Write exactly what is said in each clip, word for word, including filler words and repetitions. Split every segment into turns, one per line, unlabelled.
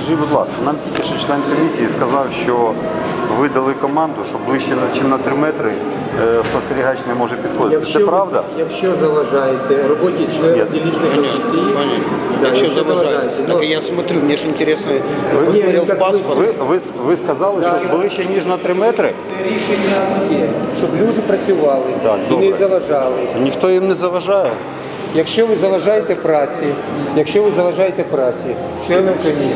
Скажіть, будь ласка, нам тільки що член комісії сказав, що ви дали команду, що ближче, ніж на три метри е, спостерігач не може підходити.
Якщо,
Це правда?
Якщо заважаєте роботі члена дільничної комісії, да,
Якщо
якщо
заважаєте,
ну,
так я смотрю, мне же интересно,
Ви,
Ні,
посмотрел
так
паспорт.
ви, ви, ви сказали,
Да,
що ближче, ніж на три метри?
це рішення є, щоб люди працювали
Так,
і не
добре.
заважали.
Ніхто їм не заважає.
Якщо ви заважаєте праці, якщо ви заважаєте праці членам комісії,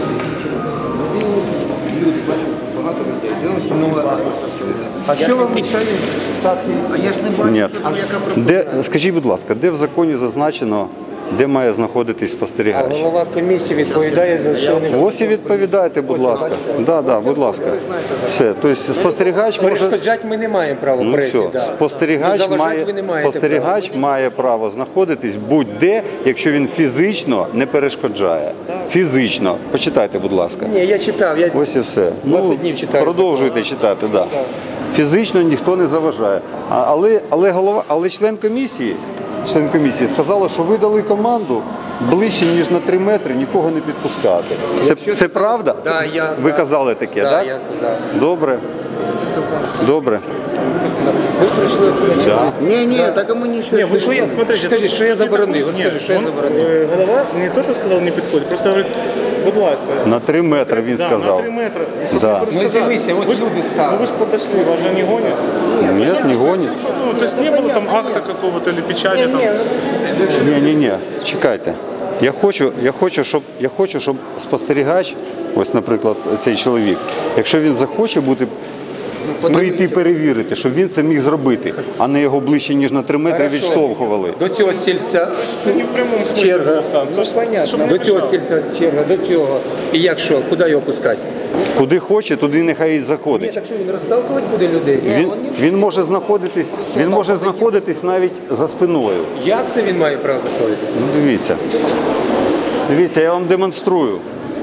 а що вам мішає стати?
А я ж не бачу,
Ні.
що там яка
Де, скажіть, будь ласка, де в законі зазначено, де має знаходитись
А
спостерігач?
голова комісії відповідає за члени.
Ось і відповідайте, будь ласка. Да, да, будь ласка. Все. Тобто спостерігач може...
Перешкоджати ми не маємо права
Ну
пресі.
все,
да.
спостерігач
Заважати
має,
ви не маєте
спостерігач
права.
має право знаходитись будь-де, якщо він фізично не перешкоджає. Фізично. Почитайте, будь ласка.
Ні, я читав, я
Ось і все. Ну,
двадцять днів читаю.
продовжуйте читати, да.
Так.
Фізично ніхто не заважає. А, але, але, голова, але член комісії, член комісії сказала, що ви дали команду ближче, ніж на три метри, нікого не підпускати. Це,
Якщо
це правда?
Да, я,
ви
да.
казали таке,
Да,
так?
я казав.
Добре. Добре.
Ви прийшли сюди.
Да.
Не, не, так ему ничего.
Не, вы что я, смотрите,
Скажи,
тут
что я
не
заборонил? Вот
подходит.
скажи, что я
он,
заборонил?
э, голова не то, что сказал, не подходит, просто говорит, будь ласка.
На три метри він
да,
сказав.
на три метра. Щоб
Да.
не
Ну,
розказати.
дивися, от
Ви ж-
люди стали.
Ну вы же подошли, вас же не гонят.
Нет, не гонит.
Ну, то есть не было там акта какого-то или печати там.
Ні, ні, ні, чекайте. Я хочу, я хочу, щоб я хочу, щоб спостерігач, ось, наприклад, цей чоловік, якщо він захоче бути прийти перевірити, щоб він це міг зробити, а не його ближче ніж на три метри
Хорошо.
відштовхували.
До цього сільця
Не в прямому смысле.
черга.
просто.
Ну, понятно. До цього сільця черга, до цього. І як що, куди його пускати?
Куди хоче, туди нехай і
Ні,
заходить.
так що він розталкувати буде людей?
Він, він може знаходитись, він може знаходитись навіть за спиною.
Як це він має право заходити?
Ну, дивіться. Дивіться, я вам демонструю.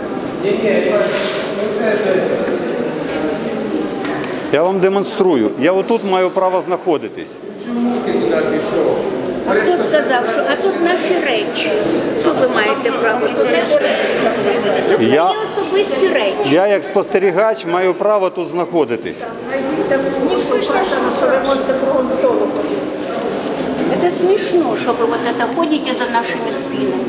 Я вам демонструю. Я отут маю право знаходитись.
Чому ти туди пішов?
А хто сказав, що а тут наші речі. Що ви маєте право? Це наші
Я-
мої особисті речі.
Я як спостерігач маю право тут знаходитись.
Это смешно, что вы вот это ходите за нашими спинами.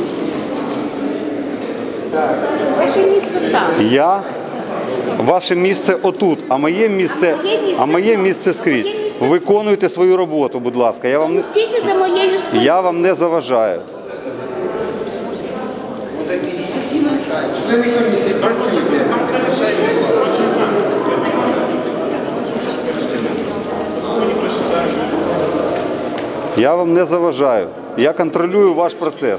Ваше место там.
Я ваше місце отут, а моє місце, а моє місце скрізь. Виконуйте свою роботу, будь ласка. Я вам не,
Стійте за моєю спиною.
я вам не заважаю.
Члени комісії, працюйте.
Я вам не заважаю. Я контролюю ваш процес.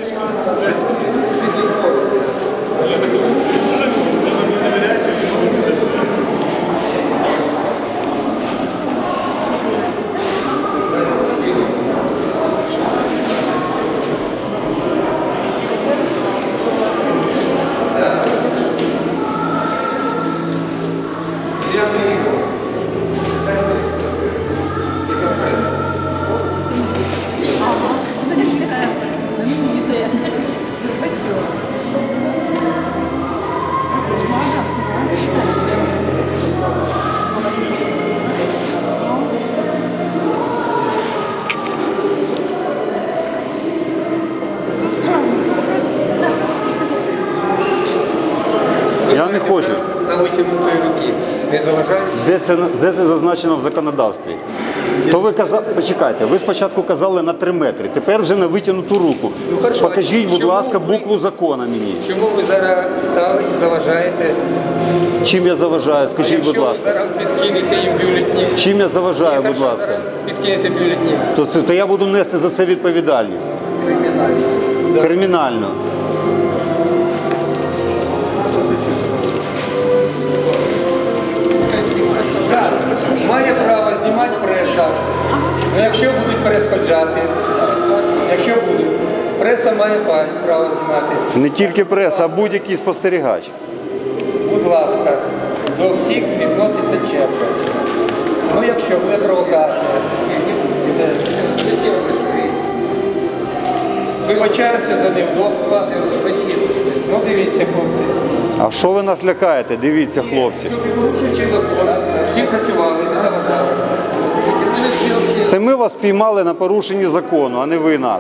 Я не хочу.
На витягнутої руки. Не заважають?
Де це, де це зазначено в законодавстві? То ви казали, почекайте, ви спочатку казали на три метри, тепер вже на витягнуту руку.
Ну, хорошо,
Покажіть,
а
будь
чому
ласка,
ви-
букву закону мені.
Чому ви зараз стали і заважаєте?
Чим я заважаю, скажіть, будь
Якщо ви
ласка.
зараз підкинете їм бюлетні,
Чим я заважаю, будь
якщо
ласка?
зараз підкинете бюлетні,
То, це, то я буду нести за це відповідальність.
кримінально.
Кримінально.
Так, має право знімати преса. Ну, якщо будуть перешкоджати, якщо будуть, преса має право знімати.
Не тільки преса, а будь-який спостерігач.
Будь ласка, до всіх відноситься черга. Ну, якщо буде провокація, вибачаємося за невдобства. Ну, дивіться, хлопці.
А що ви нас лякаєте? Дивіться, хлопці.
Щоб порушуючи закон, всі працювали, не заважали.
Це ми вас піймали на порушенні закону, а не ви нас.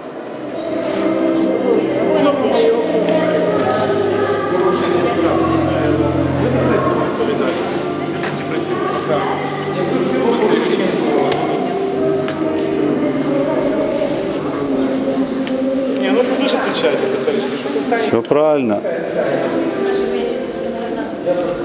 Не, ну вы же отвечаете за количество, что
Все правильно.